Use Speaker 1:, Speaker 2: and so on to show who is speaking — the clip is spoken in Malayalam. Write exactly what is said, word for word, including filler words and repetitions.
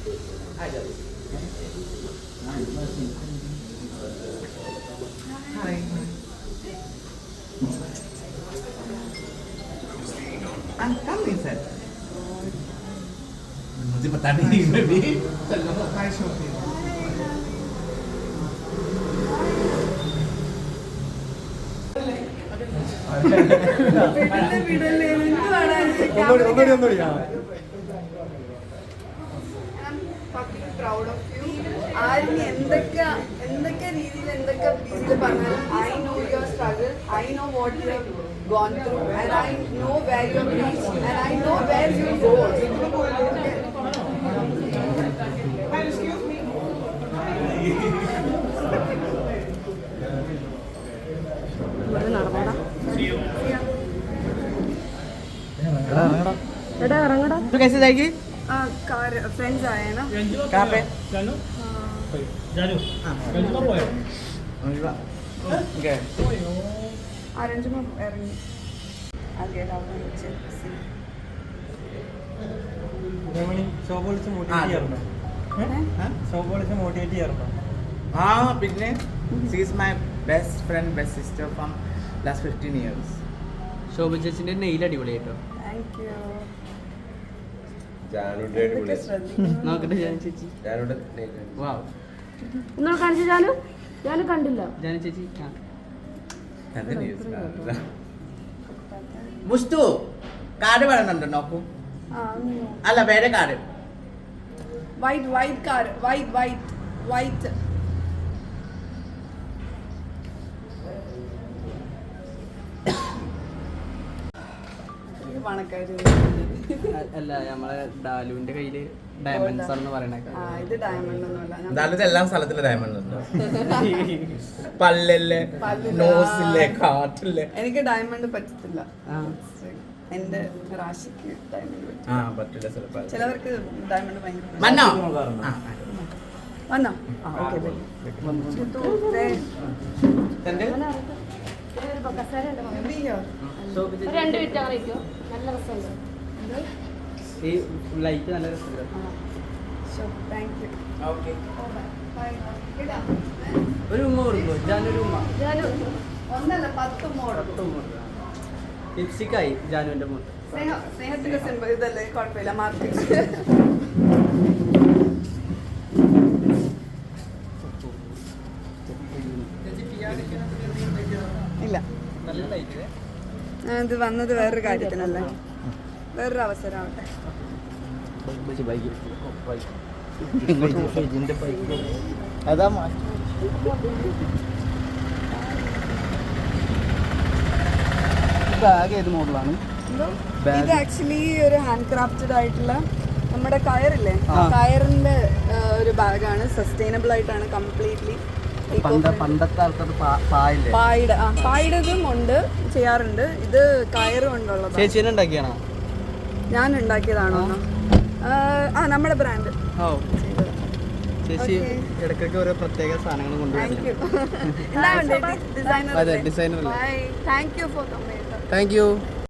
Speaker 1: Hi. Ah, come inside. मुझे पता नहीं मैं भी चलो हाय शोफी
Speaker 2: വിടല്ലേ വിടല്ലേ എന്തുവാണ്
Speaker 3: ഒന്നുകൂടി ഒന്നുകൂടി ഒന്നുകൂടി ആ
Speaker 2: പ്രൗഡ് ഓഫ് യു. ആരും എന്തൊക്കെ എന്തൊക്കെ രീതിയിൽ എന്തൊക്കെ രീതിയിൽ പറഞ്ഞാലും I know your struggle, I know what you have gone through and I know where you have reached and I know where you will go.
Speaker 1: तो कैसे जाएगी
Speaker 2: कार फ्रेंड्स आए हैं ना.
Speaker 1: कहाँ पे
Speaker 4: जानू जानू जानू का പോയോ
Speaker 1: गए
Speaker 2: അരഞ്ചുമ ഇറങ്ങി ആകെ അവിടെ വെച്ച്
Speaker 3: രമണി ഷോപ്പ് വിളിച്ച് മോട്ടിവേറ്റ് ചെയ്യാറുണ്ടോ? ഷോപ്പ് വിളിച്ച് മോട്ടിവേറ്റ് ചെയ്യാറുണ്ടോ?
Speaker 1: हाँ പിന്നെ she is my best friend best sister from last fifteen years
Speaker 5: ശോഭ ചേച്ചിന്റെ നെയിൽ അടിപൊളി കേട്ടോ.
Speaker 2: Thank you.
Speaker 6: ജാനുടെ
Speaker 2: ശ്രദ്ധിക്കുന്നു.
Speaker 5: നോക്കട്ടെ ജാനു ചേച്ചി.
Speaker 6: ജാനുടെ
Speaker 5: വാവ്
Speaker 7: ഇന്നലെ കാണിച്ചു ജാനു ജാനു കണ്ടില്ല.
Speaker 5: ജാനു ചേച്ചി ആ
Speaker 1: മുസ്തു കാർഡ് വേണമെന്നുണ്ടോ നോക്കൂ
Speaker 2: ആ ഒന്ന്
Speaker 1: അല്ല വേറെ card
Speaker 2: white white car white white white പണക്കാര്.
Speaker 5: അല്ല നമ്മളെ ഡാലുവിന്റെ കയ്യില് ഡയമണ്ട്സ് ആണെന്ന് പറയണേക്ക.
Speaker 2: ആ ഇത് ഡയമണ്ട് ഒന്നുമല്ല.
Speaker 1: എന്തായാലും എല്ലാ സ്ഥലത്തിലും ഡയമണ്ട് ഉണ്ട് പല്ലില്ലേ
Speaker 2: പല്ലില്ല.
Speaker 1: നോസില്ലേ കാട്ടില്ലേ
Speaker 2: എനിക്ക് ഡയമണ്ട് പറ്റത്തില്ല.
Speaker 5: ആ.
Speaker 2: എന്റെ റാശിക്ക് ഡയമണ്ട് പറ്റും.
Speaker 1: ആ പറ്റില്ല ചിലപ്പോൾ
Speaker 2: ചിലവർക്ക് ഡയമണ്ട് ഭയങ്കര
Speaker 1: മന്നോ ആ
Speaker 2: വന്നോ. ആ ഓക്കെ
Speaker 1: തന്റെ
Speaker 5: ശോഭ ചേച്ചി
Speaker 7: രണ്ട് മിനിറ്റ് അങ്ങനെ ഇരിക്കും. നല്ല രസമുണ്ട്.
Speaker 5: ഈ ലൈറ്റ് നല്ല രസമുണ്ട്.
Speaker 2: Thank you.
Speaker 1: ഓക്കെ
Speaker 5: ഒരു ഉമ്മ കൊടുക്കോ ജാനു ഒരു ഉമ്മ.
Speaker 7: ജാനു
Speaker 2: ഒന്നല്ല പത്ത് മോഡൽ.
Speaker 5: ലിപ്സ്റ്റിക്കായി ജാനുവിന്റെ മുഖത്ത്.
Speaker 2: സ്നേഹ സ്നേഹത്തിന്റെ സിമ്പിൾ ഇതല്ലേ കുഴപ്പമില്ല മാർക്കറ്റ്. ഇല്ല
Speaker 5: നല്ല ലൈറ്റ്.
Speaker 2: ഇത് വന്നത് വേറൊരു കാര്യത്തിനല്ലേ, വേറൊരു അവസരം ആവട്ടെ.
Speaker 1: അതാ
Speaker 5: ബാഗ് ഏത് മോഡലാണ്?
Speaker 2: ഇത് ആക്ച്വലി ഒരു ഹാൻഡ് ക്രാഫ്റ്റഡ് ആയിട്ടുള്ള നമ്മുടെ കയറില്ലേ, കയറിന്റെ ഒരു ബാഗാണ്. സസ്റ്റൈനബിൾ ആയിട്ടാണ് കംപ്ലീറ്റ്ലി.
Speaker 5: പണ്ടത്തെ ആൾക്കാർ പായില്ലേ?
Speaker 2: പായുടെ ആ പായുടേതും ഉണ്ട്, ചെയ്യാറുണ്ട്. ഇത് കയറ് കൊണ്ടുള്ളത്
Speaker 5: ചേച്ചീനെ ഉണ്ടാക്കിയാണോ?
Speaker 2: ഞാൻ ഉണ്ടാക്കിയതാണോ? ആ നമ്മുടെ ബ്രാൻഡ്.
Speaker 5: ഓ ചേച്ചി ഇടയ്ക്കൊക്കെ ഓരോ പ്രത്യേക സാധനങ്ങൾ
Speaker 2: താങ്ക് യു.
Speaker 5: കൊണ്ടുവരുന്നത്.
Speaker 2: എന്താ ഡിസൈനർ.
Speaker 5: അതെ ഡിസൈനർ അല്ലേ?
Speaker 2: Thank you for coming.
Speaker 5: Thank U.